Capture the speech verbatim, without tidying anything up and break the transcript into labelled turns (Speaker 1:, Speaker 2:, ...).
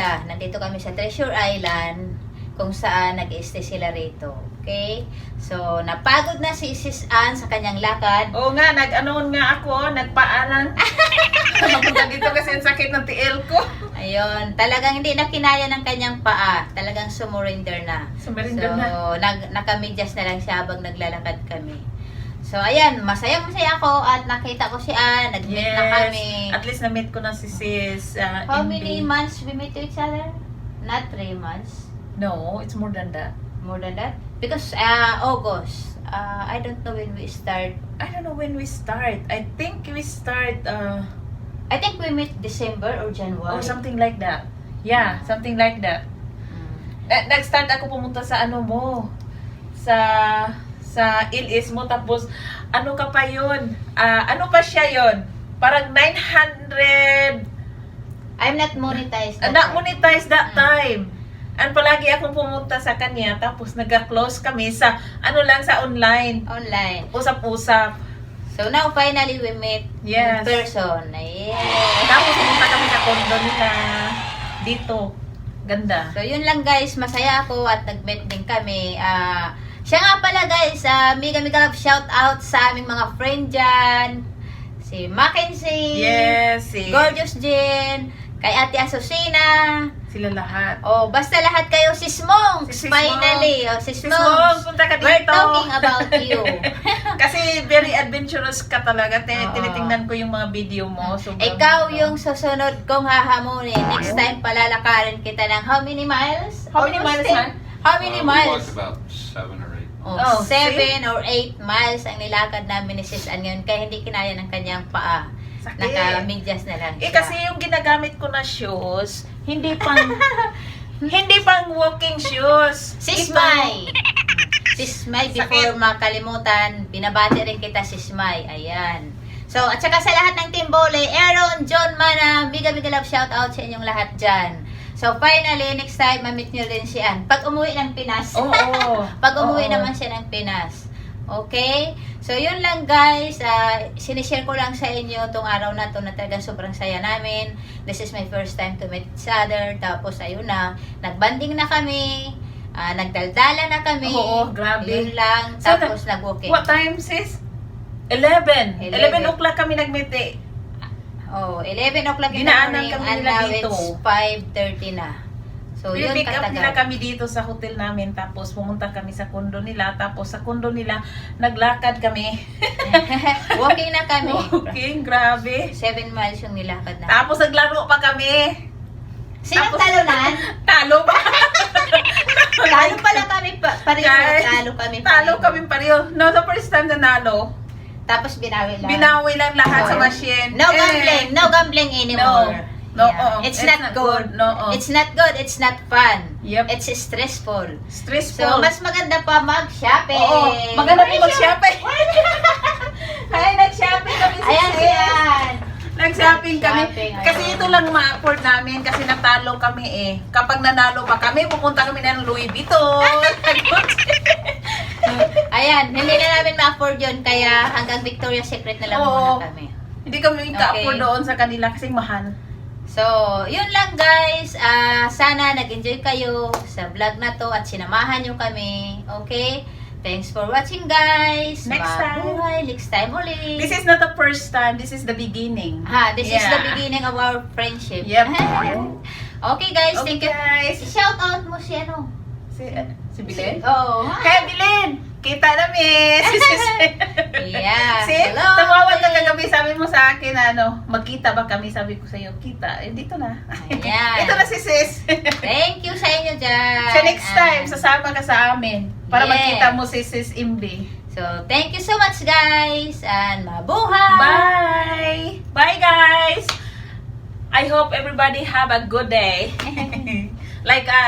Speaker 1: sila. Nandito kami sa Treasure Island kung saan nag-stay sila rito. Okay? So, napagod na si Sis Ann sa kanyang lakad.
Speaker 2: Oo nga, nag-anoon nga ako, nagpaanan. Napunta dito kasi ang sakit ng tiil ko.
Speaker 1: Ayun, talagang hindi na kinaya ng kanyang paa. Talagang sumurrender na.
Speaker 2: Sumurrender
Speaker 1: so,
Speaker 2: na.
Speaker 1: Nag, nakamidyas na lang siya habang naglalakad kami. So, ayan, masaya-masaya ako at nakita ko si Ann, nag-meet
Speaker 2: Yes.
Speaker 1: na kami.
Speaker 2: At least na-meet ko na si Sis. Uh,
Speaker 1: How
Speaker 2: Indy.
Speaker 1: many months we meet each other? Not three months.
Speaker 2: No, it's more than that.
Speaker 1: More than that? Because uh, August, uh, I don't know when we start.
Speaker 2: I don't know when we start. I think we start, uh,
Speaker 1: I think we meet December or January.
Speaker 2: oh, something like that. Yeah, something like that.
Speaker 1: Mm.
Speaker 2: Na- Nag-start ako pumunta sa ano mo, sa sa Ilis mo, tapos ano ka pa yun? Ah, ano pa siya yun? Parang nine hundred,
Speaker 1: I'm not monetized.
Speaker 2: uh,
Speaker 1: that
Speaker 2: not
Speaker 1: time.
Speaker 2: monetized that
Speaker 1: Mm.
Speaker 2: time. And palagi akong pumunta sa kanya, tapos nag-close kami sa, ano lang, sa online.
Speaker 1: Online.
Speaker 2: Usap-usap.
Speaker 1: So now finally we meet
Speaker 2: Yes.
Speaker 1: in person. Yeah.
Speaker 2: Tapos pumunta kami sa condo nila. Dito. Ganda.
Speaker 1: So yun lang guys, masaya ako at nag-meet din kami. Ah, siya nga pala guys, uh, mega mega love shout out sa aming mga friend dyan. Si Mackenzie.
Speaker 2: Yes. Si,
Speaker 1: Gorgeous Jen. Kay Ate Asusina.
Speaker 2: sila lahat.
Speaker 1: Oh, basta lahat kayo sis Mongs.
Speaker 2: Si Sis
Speaker 1: Finally, oh, sis,
Speaker 2: Sis
Speaker 1: Mongs.
Speaker 2: Mongs, punta ka
Speaker 1: We're
Speaker 2: dito.
Speaker 1: talking about you.
Speaker 2: Kasi very adventurous ka talaga. Tin-
Speaker 1: Oo.
Speaker 2: Tinitingnan ko yung mga video mo. Sobrang-
Speaker 1: Ikaw yung susunod kong hahamunin. Next time palalakarin kita ng how many miles?
Speaker 2: How many
Speaker 1: Almost
Speaker 2: miles,
Speaker 1: ten.
Speaker 2: man?
Speaker 1: How many
Speaker 3: Uh, we
Speaker 1: miles?
Speaker 3: walked about seven or eight.
Speaker 1: Oh,
Speaker 2: Oh,
Speaker 1: seven or eight miles ang nilakad namin ni Sis Ann ngayon kaya hindi kinaya ng kanyang paa.
Speaker 2: Sakit.
Speaker 1: Naka-medyas na lang
Speaker 2: Eh
Speaker 1: siya.
Speaker 2: kasi yung ginagamit ko na shoes, hindi pang hindi pang walking shoes.
Speaker 1: Sis
Speaker 2: Ito-
Speaker 1: Mai! Sis Mai, before
Speaker 2: Sakit.
Speaker 1: makalimutan, binabati rin kita Sis Mai. Ayan. So, at saka sa lahat ng Team Bole, Aaron, John Mana, biga biga love shout out sa inyong lahat dyan. So, finally, next time, mamit nyo rin si Ann. Pag umuwi ng Pinas.
Speaker 2: Oo.
Speaker 1: Pag umuwi
Speaker 2: Oo.
Speaker 1: naman siya ng Pinas. Okay? So, yun lang guys. Uh, sinishare ko lang sa inyo itong araw na to na talagang sobrang saya namin. This is my first time to meet each other. Tapos, ayun na. Nagbanding na kami. Uh, nagdaldala na kami.
Speaker 2: Oo, grabe.
Speaker 1: Yun lang.
Speaker 2: So,
Speaker 1: Tapos, nag-walking.
Speaker 2: What time, sis? eleven.
Speaker 1: Eleven.
Speaker 2: eleven o'clock kami nag-meet eh.
Speaker 1: Oh, eleven o'clock in the
Speaker 2: Dinaanan
Speaker 1: morning.
Speaker 2: kami
Speaker 1: And
Speaker 2: nila
Speaker 1: now
Speaker 2: dito.
Speaker 1: it's five thirty na. So, yun
Speaker 2: Pick up nila
Speaker 1: katagal.
Speaker 2: kami dito sa hotel namin, tapos pumunta kami sa condo nila, tapos sa condo nila, naglakad kami.
Speaker 1: Walking na kami.
Speaker 2: Okay, grabe.
Speaker 1: Seven miles yung nilakad na.
Speaker 2: Tapos naglaro pa kami.
Speaker 1: Sinong
Speaker 2: tapos-
Speaker 1: talunan?
Speaker 2: Talo pa.
Speaker 1: Talo pala kami pa, pareho.
Speaker 2: Guys,
Speaker 1: Talo kami
Speaker 2: Talo
Speaker 1: pareho.
Speaker 2: kami pareho. No, the first time na nalo,
Speaker 1: Tapos binawi lang.
Speaker 2: binawi lang lahat sa
Speaker 1: Oh.
Speaker 2: machine.
Speaker 1: No
Speaker 2: Eh,
Speaker 1: gambling. No gambling anymore.
Speaker 2: No,
Speaker 1: Yeah.
Speaker 2: oo.
Speaker 1: It's,
Speaker 2: It's
Speaker 1: not,
Speaker 2: not
Speaker 1: good.
Speaker 2: good. No, oo.
Speaker 1: It's not good. It's not fun.
Speaker 2: Yep.
Speaker 1: It's stressful.
Speaker 2: Stressful.
Speaker 1: So, mas maganda pa mag-shopping.
Speaker 2: Oo, maganda po mag-shopping. Ay, nag-shopping kami sa
Speaker 1: Ayan siyan.
Speaker 2: Nag-shopping kami.
Speaker 1: Shopping,
Speaker 2: Kasi
Speaker 1: ayun.
Speaker 2: ito lang ma-afford namin kasi natalo kami eh. Kapag nanalo pa kami, pupunta kami ng Louis Vuitton.
Speaker 1: Ayan, hindi na namin ma-afford yun. Kaya hanggang Victoria's Secret na lang
Speaker 2: Oo.
Speaker 1: muna kami.
Speaker 2: Hindi kami ka-afford
Speaker 1: Okay.
Speaker 2: doon sa kanila kasi mahal.
Speaker 1: So, yun lang guys. Ah, sana nag-enjoy kayo sa vlog na to at sinamahan nyo kami. Okay? Thanks for watching guys.
Speaker 2: Next time.
Speaker 1: Mabuhay. Next time ulit.
Speaker 2: This is not the first time, this is the beginning.
Speaker 1: Ha, this is
Speaker 2: Yeah.
Speaker 1: the beginning of our friendship.
Speaker 2: Yep.
Speaker 1: Okay guys,
Speaker 2: Okay
Speaker 1: thank you.
Speaker 2: guys.
Speaker 1: Shout out mo si ano?
Speaker 2: Si, si Bilen?
Speaker 1: Oh.
Speaker 2: Kaya Bilen, kita namin. Si sis.
Speaker 1: Yeah.
Speaker 2: Si,
Speaker 1: Hello.
Speaker 2: tumawag ka kagabi, sabi mo sa akin, ano, magkita ba kami? Sabi ko sa iyo, kita. Eh, dito na.
Speaker 1: Ayan.
Speaker 2: Ito na si sis.
Speaker 1: Thank you sa inyo dyan.
Speaker 2: So next time,
Speaker 1: Ah.
Speaker 2: sasama ka sa amin para
Speaker 1: Yes.
Speaker 2: magkita mo si sis Imbi.
Speaker 1: So, thank you so much guys and mabuhay!
Speaker 2: Bye! Bye guys! I hope everybody have a good day. Like us.